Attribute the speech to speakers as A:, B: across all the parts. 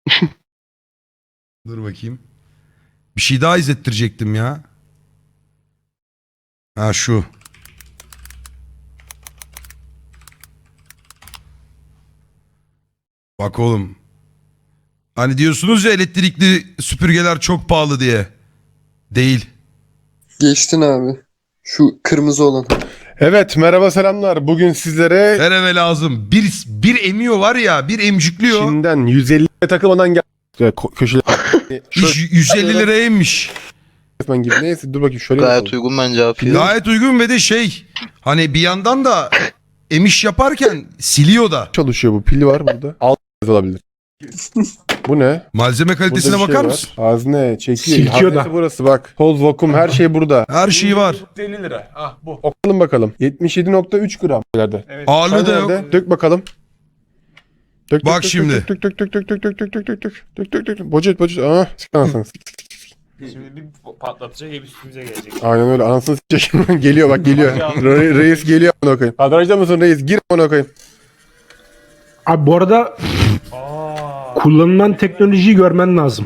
A: Dur bakayım. Bir şey daha izlettirecektim ya. Ha şu. Bak oğlum. Hani diyorsunuz ya elektrikli süpürgeler çok pahalı diye. Değil.
B: Geçtin abi. Şu kırmızı olan.
C: Evet, merhaba selamlar. Bugün sizlere
A: Her eve lazım. Bir emiyor var ya, bir emcikliyor.
C: Çin'den 150 takılmadan gel köşeler.
A: İş 150 liraya emmiş.
C: Resmen gibi. Neyse dur bakayım şöyle
D: Gayet
C: yapalım.
D: uygun bence abi. fiyat.
A: Gayet uygun ve de şey. Hani bir yandan da emiş yaparken siliyor da.
C: Çalışıyor bu. Pili var burada. Alt olabilir. Bu ne?
A: Malzeme kalitesine
C: Burada bir şey
A: bakar
C: var.
A: mısın?
C: Hazne, çekiyor.
E: Silkiyor da.
C: Haznesi burası bak. Toz, vakum her şey burada.
A: Her şeyi var.
E: 50 lira. Ah bu.
C: Okalım bakalım. 77.3 gram. Nerede?
E: Evet.
A: Ağırlığı da yok.
C: Nerede? Dök bakalım. Dök,
A: Bak
C: dök,
A: şimdi.
C: Dök dök dök dök dök dök dök dök dök dök dök dök dök. Bocet bocet. Aa, sık anasını.
E: Şimdi bir patlatacak hep üstümüze gelecek.
C: Aynen öyle. Anasını s**ecek. Geliyor bak geliyor. Reis geliyor amına koyayım. Kadrajda mısın reis? Gir amına koyayım.
F: Abi bu arada
E: Aa.
F: kullanılan teknolojiyi görmen lazım.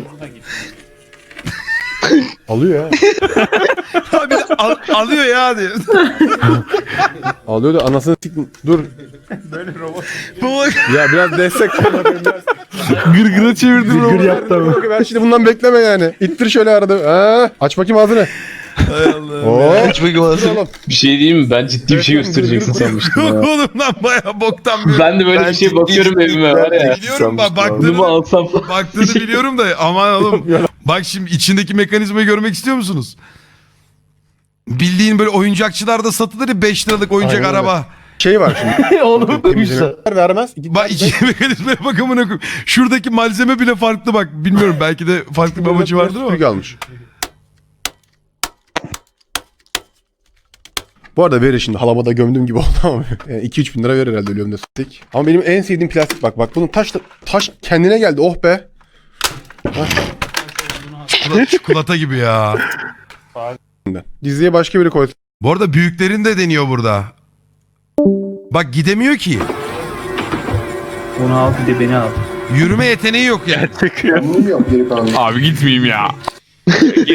C: Alıyor ya.
A: Abi de alıyor ya diyor.
C: Alıyor da anasını s**. Dur.
E: Böyle robot.
C: Ya biraz destek.
F: Gırgıra çevirdim. Gırgır yaptı ama.
C: Ben şimdi bundan bekleme yani. İttir şöyle arada. Ha, aç bakayım ağzını.
A: Hay Allah.
C: Oo.
D: Hiç bakayım
C: Dur oğlum.
G: Bir şey diyeyim mi? Ben ciddi bir şey göstereceksin sanmıştım ya.
A: Oğlum lan baya boktan bir.
G: Ben de böyle bir şey bakıyorum evime var ya.
A: Biliyorum bak
G: Bunu mu
A: baktığını,
G: alsam falan.
A: baktığını biliyorum da aman oğlum. Bak şimdi içindeki mekanizmayı görmek istiyor musunuz? Bildiğin böyle oyuncakçılarda satılır ya 5 liralık oyuncak
C: Aynen öyle.
A: araba.
C: Şey var şimdi.
G: Onu koymuşlar.
C: Vermez.
A: Bak içindeki mekanizmaya bak amına koyayım. Şuradaki malzeme bile farklı bak. Bilmiyorum belki de farklı bir amacı vardır ama.
C: Süpürge almış. Bu arada verir şimdi halabada gömdüğüm gibi oldu ama 2-3 bin lira verir herhalde ölüyorum da süttik. Ama benim en sevdiğim plastik bak bunun taş kendine geldi oh be.
A: Çikolata gibi ya.
C: Diziye başka biri koysun.
A: Bu arada büyüklerin de deniyor burada. Bak gidemiyor ki.
H: Onu al bir de beni al.
A: Yürüme yeteneği yok yani.
B: Yok geri kalan.
G: Abi gitmeyeyim ya.